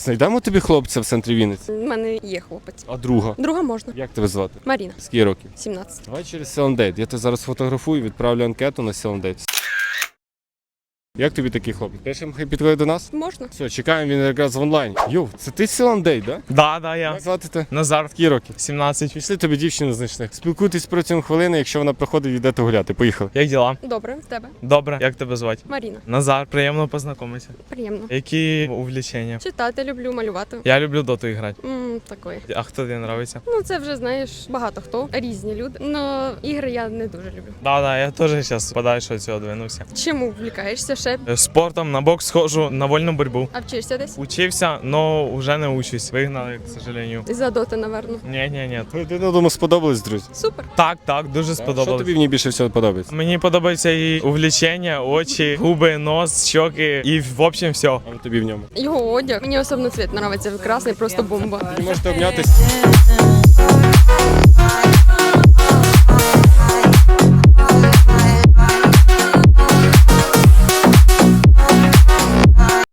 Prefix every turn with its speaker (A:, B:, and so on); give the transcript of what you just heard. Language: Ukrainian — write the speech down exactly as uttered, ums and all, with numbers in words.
A: Знайдемо тобі хлопця в центрі Вінниці?
B: У мене є хлопець.
A: А друга?
B: Друга можна.
A: Як тебе звати?
B: Маріна,
A: Скільки років?
B: сімнадцять.
A: Давай через Селендейт. Я тебе зараз фотографую, відправлю анкету на Селендейт. Як тобі такий хлопець? Пишемо, хай підходить до нас?
B: Можна.
A: Все, чекаємо, він якраз в онлайні. Йоу, це ти Селендейт, да?
C: Да, да, я.
A: Як звати тебе?
C: Назар,
A: Скільки років?
C: сімнадцять.
A: Пішли тобі дівчину знайшли. Спілкуйтесь протягом хвилини, якщо вона приходить, йдете гуляти. Поїхали.
C: Як діла?
B: Добре, в тебе.
C: Добре. Як тебе звати?
B: Маріна.
C: Назар, приємно познайомитися.
B: Приємно.
C: Які увлечення?
B: Читати люблю, малювати.
C: Я люблю доту грати.
B: Ммм, такої.
C: А хто тобі подобається?
B: Ну, це вже, знаєш, багато хто. Різні люди. Но ігри я не дуже люблю.
C: Да, да, я теж зараз подальше від цього двинувся.
B: Чому влікаєшся ще?
C: Е, Спортом на бокс схожу, на вольну боротьбу.
B: А вчишся десь?
C: Учився, но вже не учусь. Вигнали, к сожалению.
B: За доти, наверно.
C: Ні, ні, ні.
A: Один думаю, сподобались, друзі.
B: Супер.
C: Так, так, дуже
A: Що
C: сподобалось.
A: тобі в ній більше всього подобається?
C: Мені подобається і увлечення, очі, губи, нос, щоки і в общем все.
A: А тобі в ньому?
B: Його одяг. Мені особливо цвіт подобається. Красний, просто бомба.
A: Ви можете обнятися.